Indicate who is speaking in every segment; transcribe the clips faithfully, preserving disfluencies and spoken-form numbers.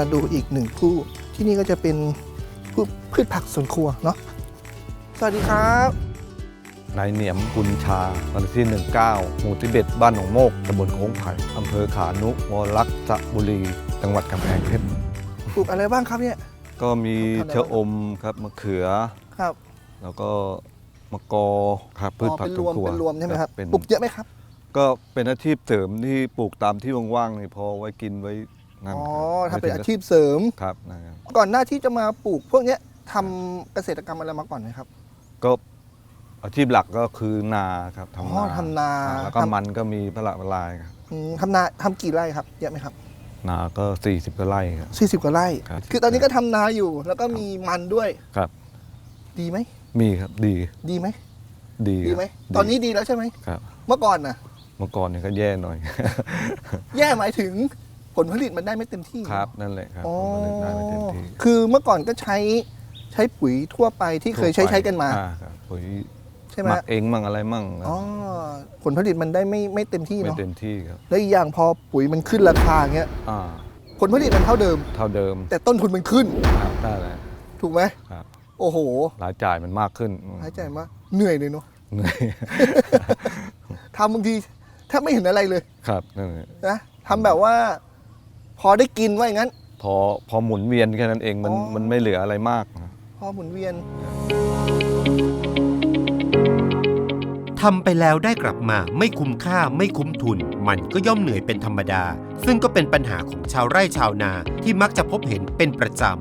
Speaker 1: ดูอีกหนึ่งผู้ที่นี่ก็จะเป็นพืชผักสวนครัวเนาะสวัสดีครับ
Speaker 2: นายเหนียมกุลชาวันที่หนึ่งเก้าหมู่ที่เบ็ดบ้านหนองโมกตำบลโค้งไผ่อำเภอขานุวรักษ์บุรีจังหวัดกำแพงเพชร
Speaker 1: ปลูกอะไรบ้างครับเนี่ย
Speaker 2: ก็มีชะอมครับมะเขือ
Speaker 1: ครับ
Speaker 2: แล้วก็มะกอครับพืชผักสวนครัว
Speaker 1: เป็นรวมใช่ไหมครับปลูกเยอะไหมครับ
Speaker 2: ก็เป็นอาชีพเสริมที่ปลูกตามที่ว่างๆนี่พอไว้กินไว้
Speaker 1: อ๋อถ้าเป็นอาชีพเสริม
Speaker 2: ครับนะครับ
Speaker 1: ก่อนหน้าที่จะมาปลูกพวกนี้ทำเกษตรกรรมอะไรมาก่อนไหมครับ
Speaker 2: ก็อาชีพหลักก็คือนาครับ
Speaker 1: ทำนาทำนา
Speaker 2: แล้วก็มันก็มีพละลายครับ
Speaker 1: ทำนาทำกี่ไร่ครับเยอะไหมครับ
Speaker 2: นาก็สี่สิบกว่าไร่ครับ
Speaker 1: สี่สิบกว่าไร่คือตอนนี้ก็ทำนาอยู่แล้วก็มีมันด้วย
Speaker 2: ครับ
Speaker 1: ดีไหม
Speaker 2: มีครับดี
Speaker 1: ดีไหม
Speaker 2: ดี
Speaker 1: ดีไหมตอนนี้ดีแล้วใช่ไหม
Speaker 2: ครับ
Speaker 1: เมื่อก่อนนะ
Speaker 2: เมื่อก่อนเนี่ยก็แย่หน่อย
Speaker 1: แย่หมายถึงผลผลิตมันได้ไม่เต็มที่
Speaker 2: ครับนั่นแหละครับผลผลิตได้ไม่เต็มที่
Speaker 1: คือเมื่อก่อนก็ใช้ใช้ปุ๋ยทั่วไปที่เคยใช้ใช้กันมา
Speaker 2: ปุ๋ย
Speaker 1: ใช่ไหม
Speaker 2: หมักเองมั่งอะไรมั่ง
Speaker 1: อ๋อผลผลิตมันได้ไม่ไม่เต็มที่เนาะ
Speaker 2: ไม่เต็มที่ครับ
Speaker 1: แล้วอีกอย่างพอปุ๋ยมันขึ้นราคาเงี้ยผลผลิตมันเท่าเดิม
Speaker 2: เท่าเดิม
Speaker 1: แต่ต้นทุนมันขึ้น
Speaker 2: ครับได้เลย
Speaker 1: ถูกไหม
Speaker 2: ครับ
Speaker 1: โอ้โห
Speaker 2: รายจ่ายมันมากขึ้น
Speaker 1: รายจ่ายมากเหนื่อยเลยเนาะ
Speaker 2: เหนื่อย
Speaker 1: ทำบางทีแทบไม่เห็นอะไรเลย
Speaker 2: ครับนั่นแหละ
Speaker 1: นะทำแบบว่าพอได้กินว่าอย่างนั้น
Speaker 2: พอพอหมุนเวียนแค่นั้นเองมันมันไม่เหลืออะไรมาก
Speaker 1: พอหมุนเวียน
Speaker 3: ทำไปแล้วได้กลับมาไม่คุ้มค่าไม่คุ้มทุนมันก็ย่อมเหนื่อยเป็นธรรมดาซึ่งก็เป็นปัญหาของชาวไร่ชาวนาที่มักจะพบเห็นเป็นประจ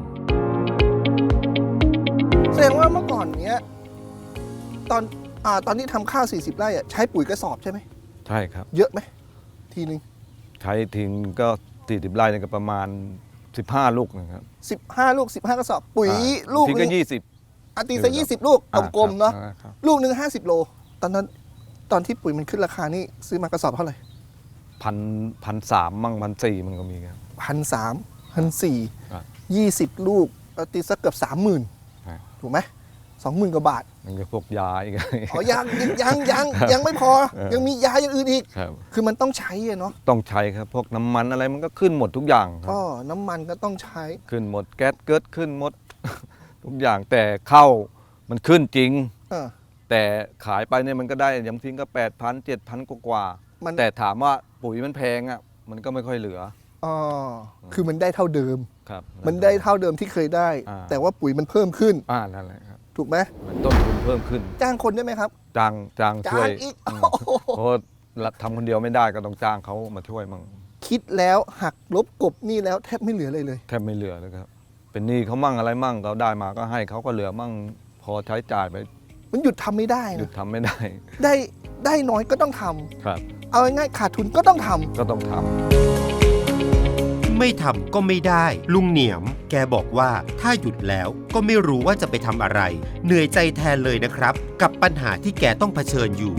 Speaker 1: ำแสดงว่าเมื่อก่อนเนี้ยตอนอ่าตอนที่ทำข้าวสี่สิบไร่อ่ะใช้ปุ๋ยกระสอบใช่ไหม
Speaker 2: ใช่ครับ
Speaker 1: เยอะไหมทีนึง
Speaker 2: ใช้ทิ้งก็สี่สิบไร่ก็ประมาณสิบห้าลูกนะครับ
Speaker 1: สิบห้าลูกสิบห้ากระสอบปุ๋ยลูก
Speaker 2: นึงก็ยี่สิบ
Speaker 1: อาตีซะยี่สิบลูกกลมๆเนาะลูกหนึ่งห้าสิบโลตอนนั้นตอนที่ปุ๋ยมันขึ้นราคานี่ซื้อมากระสอบเท่าไหร่
Speaker 2: พันพันสามมั่งพันสี่มันก็มีครับ
Speaker 1: พันสามพันสี่ยี่สิบลูกตีสักเกือบสามหมื่นถูกไหมสองหมื่นกว่าบาท
Speaker 2: มันก็พวกยาอีก
Speaker 1: อ๋อยังยังยังยังไม่พอยังมียาอย่างอื่นอีกคือมันต้องใช้เนาะ
Speaker 2: ต้องใช้ครับพวกน้ำมันอะไรมันก็ขึ้นหมดทุกอย่างครับ
Speaker 1: อ๋อน้ำมันก็ต้องใช้
Speaker 2: ขึ้นหมดแก๊สเกิดขึ้นหมดทุกอย่างแต่เข้ามันขึ้นจริงแต่ขายไปเนี่ยมันก็ได้อย่างทิ้งก็แปดพันเจ็ดพันกว่าแต่ถามว่าปุ๋ยมันแพงอ่ะมันก็ไม่ค่อยเหลือ
Speaker 1: อ๋อคือมันได้เท่าเดิม
Speaker 2: ครับ
Speaker 1: มันได้เท่าเดิมที่เคยได้แต่ว่าปุ๋ยมันเพิ่มขึ้น
Speaker 2: อ่านั่นแหละครับ
Speaker 1: ถูกไหม
Speaker 2: ต้นทุนเพิ่มขึ้น
Speaker 1: จ้างคนได้ไหมครับ
Speaker 2: จ้างจ้างช่วย
Speaker 1: อีก
Speaker 2: เพราะทำคนเดียวไม่ได้ก็ต้องจ้างเขามาช่วยมั่ง
Speaker 1: คิดแล้วหักลบกบหนี้แล้วแทบไม่เหลือเลยเลย
Speaker 2: แทบไม่เหลือเลยครับเป็นหนี้เขามั่งอะไรมั่งเขาได้มาก็ให้เขาก็เหลือมั่งพอใช้จ่ายไป
Speaker 1: มันหยุดทำไม่ได้
Speaker 2: หยุดทำไม่ได้
Speaker 1: ได้ได้น้อยก็ต้องทำ
Speaker 2: ครับ
Speaker 1: เอาง่ายๆขาดทุนก็ต้องทำ
Speaker 2: ก็ต้องทำ
Speaker 3: ไม่ทำก็ไม่ได้ลุงเหนียมแกบอกว่าถ้าหยุดแล้วก็ไม่รู้ว่าจะไปทำอะไรเหนื่อยใจแทนเลยนะครับกับปัญหาที่แกต้องเผชิญอยู่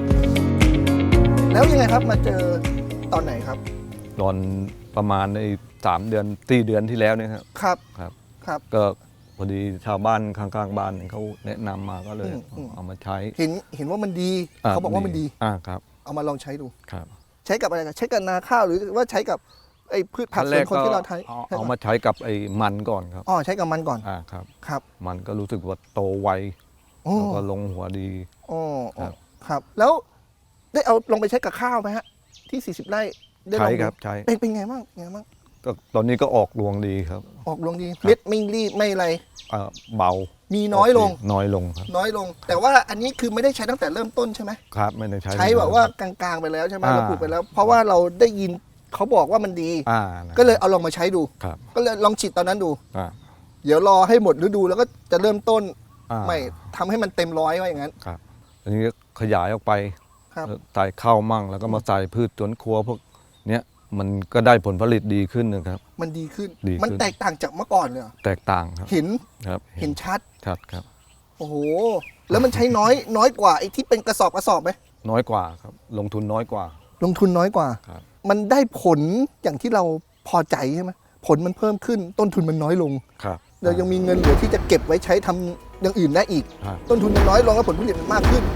Speaker 1: แล้วยังไงครับมาเจอตอนไหนครับ
Speaker 2: ตอนประมาณในสามเดือนสี่เดือนที่แล้วเนี่ยครับ
Speaker 1: ครับ
Speaker 2: ครับ
Speaker 1: ครับ
Speaker 2: ก็พอดีชาวบ้านข้างๆบ้านเขาแนะนำมาก็เลยเอามาใช้
Speaker 1: เห็นเห็นว่ามันดีเขาบอกว่ามันดี
Speaker 2: อ่าครับ
Speaker 1: เอามาลองใช้ดู
Speaker 2: ครับ
Speaker 1: ใช้กับอะไรใช้กับนาข้าวหรือว่าใช้กับไอ้พืชผักสวนครัวที่เราใช้
Speaker 2: เอามาใช้กับไอ้มันก่อนครับ
Speaker 1: อ๋อใช้กับมันก่อน
Speaker 2: อ่าครับ
Speaker 1: ครับ
Speaker 2: มันก็รู้สึกว่าโตไวแล้วก็ลงหัวดี
Speaker 1: อ๋อครับแล้วได้เอาลงไปใช้กับข้าวไหมฮะที่สี่สิบไร่
Speaker 2: ใช้ครับใช้
Speaker 1: เป็นเป็นไงบ้างไงบ้าง
Speaker 2: ก็ตอนนี้ก็ออกรวงดีครับ
Speaker 1: ออกรวงดีเม็ดไม่รีบไม่อะไร
Speaker 2: เบา
Speaker 1: มีน้อยลง
Speaker 2: น้อยลงครับ
Speaker 1: น้อยลงแต่ว่าอันนี้คือไม่ได้ใช้ตั้งแต่เริ่มต้นใช่ไหม
Speaker 2: ครับไม่ได้ใช้
Speaker 1: ใช้แบบว่ากลางๆไปแล้วใช่ไหมเราปลูกไปแล้วเพราะว่าเราได้ยินเขาบอกว่ามันดีก็เลยเอาลองมาใช้ดูก็เลยลองฉีดตอนนั้นดูเดี๋ยวรอให้หมดฤดูแล้วก็จะเริ่มต้นใหม่ทำให้มันเต็มร้อยว่าอย่างนั้น
Speaker 2: ครับอันนี้ขยายออกไปใส่ข้าวมั่งแล้วก็มาใส่พืชสวนครัวพวกเนี้ยมันก็ได้ผลผลิตดีขึ้นนะครับ
Speaker 1: มันดีขึ้นมันแตกต่างจากเมื่อก่อนเลย
Speaker 2: แตกต่างครับ
Speaker 1: เห็น
Speaker 2: ครับ
Speaker 1: เห็นชัด
Speaker 2: ชัดครับ
Speaker 1: โอ้โหแล้วมันใช้น้อยน้อยกว่าไอ้ที่เป็นกระสอบกระสอบไหม
Speaker 2: น้อยกว่าครับลงทุนน้อยกว่า
Speaker 1: ลงทุนน้อยกว่า
Speaker 2: ครับ
Speaker 1: มันได้ผลอย่างที่เราพอใจใช่ไหมผลมันเพิ่มขึ้นต้นทุนมันน้อยลง
Speaker 2: ครับ
Speaker 1: เรายังมีเงินเหลือที่จะเก็บไว้ใช้ทำอย่างอื่นได้อีกต้นทุนมันน้อยลงแล้วผลผลิตมันมากขึ้น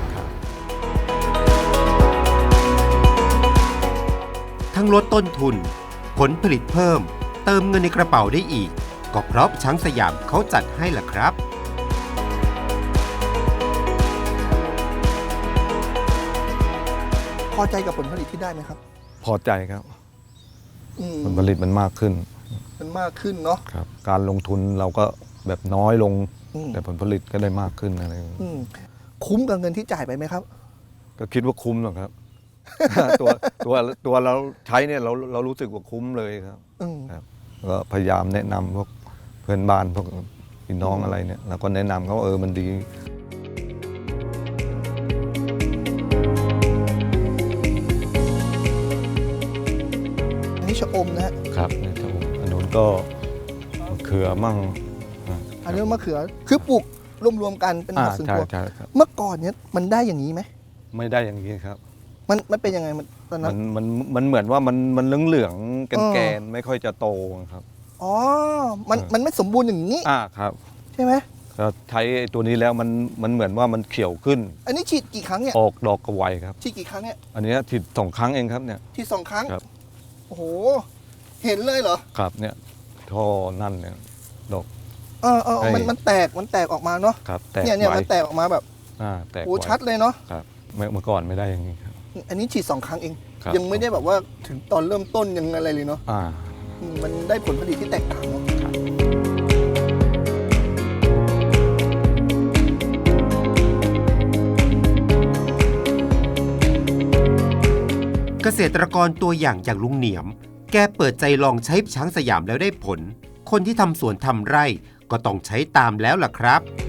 Speaker 3: ทั้งลดต้นทุนผลผลิตเพิ่มเติมเงินในกระเป๋าได้อีกก็เพราะช้างสยามเขาจัดให้ล่ะครับ
Speaker 1: พอใจกับผลผลิตที่ได้ไหมครับ
Speaker 2: พอใจครับ
Speaker 1: อืม
Speaker 2: ผลผลิตมันมากขึ้น
Speaker 1: มันมากขึ้นเนาะ
Speaker 2: ครับ การลงทุนเราก็แบบน้อยลง
Speaker 1: อืม
Speaker 2: แต่ผลผลิตก็ได้มากขึ้นอะไร
Speaker 1: อืมคุ้มกับเงินที่จ่ายไปไหมครับ
Speaker 2: ก็คิดว่าคุ้มหรอกครับ ตัวตัวตัวเราใช้เนี่ยเราเรารู้สึกว่าคุ้มเลยครับ
Speaker 1: อืม
Speaker 2: ครับก็พยายามแนะนำพวกเพื่อนบ้านพวกพี่น้องอะไรเนี่ยเราก็แนะนำเขาว่าเออมันดี
Speaker 1: อันนี้ชะอมนะฮะ
Speaker 2: ครับเนี่ยครับผมอันนู้นก็มะเขือมั่งอ่า
Speaker 1: อันนี้มะเขือคือปลูกรวมๆกันเป็น
Speaker 2: อ่า
Speaker 1: ผักสวน
Speaker 2: ใช่
Speaker 1: ครัว
Speaker 2: ใช่ครับ
Speaker 1: เมื่อก่อนเนี้ยมันได้อย่างนี้ไหม
Speaker 2: ไม่ได้อย่างนี้ครับ
Speaker 1: มันมันเป็นยังไงมันตอนนั้
Speaker 2: มัน นมันมันเหมือนว่ามันมันเหลืองเหลืองๆแกน
Speaker 1: เออ
Speaker 2: แกนไม่ค่อยจะโตครับ
Speaker 1: อ๋อ มัน
Speaker 2: เออ
Speaker 1: มันไม่สมบูรณ์อย่างนี้
Speaker 2: อ่าครับ
Speaker 1: ใช่ไหม
Speaker 2: ก็ใช้ไอ้ตัวนี้แล้วมันมันเหมือนว่ามันเขียวขึ้น
Speaker 1: อันนี้ฉีดกี่ครั้งเนี่ย
Speaker 2: ออกดอกกระไวครับ
Speaker 1: ฉีดกี่ครั้งเนี่ย
Speaker 2: อันเนี้ยฉีดสองครั้งเองครับเนี่ย
Speaker 1: ฉีดสองครั้ง
Speaker 2: ครับ
Speaker 1: โอ้โห เห็นเลยเหรอ
Speaker 2: ครับเนี่ยท่อนั่นเนี่ยดอก
Speaker 1: เออเออ
Speaker 2: ให้
Speaker 1: มันมันแตก มันแตกออกมาเนาะ
Speaker 2: ครับแตก
Speaker 1: เนี่ยเนี่ย
Speaker 2: ไว
Speaker 1: มันแตกออกมาแบบ
Speaker 2: อ่าแตก
Speaker 1: โอ้
Speaker 2: ไว
Speaker 1: ชัดเลยเนาะ
Speaker 2: ครับเมื่อเมื่อก่อนไม่ได้อย่างนี้ครับ
Speaker 1: อันนี้ฉีดสองครั้งเอง
Speaker 2: ครับ
Speaker 1: ยังไม่ได้แบบว่าถึงตอนเริ่มต้นยังอะไรเลยเนาะ
Speaker 2: อ่า
Speaker 1: อืมมันได้ผลผลิตที่แตกต่างเนาะ
Speaker 3: เกษตรกรตัวอย่างอย่างลุงเหนียม แกเปิดใจลองใช้ช้างสยามแล้วได้ผล คนที่ทำสวนทำไร่ก็ต้องใช้ตามแล้วล่ะครับ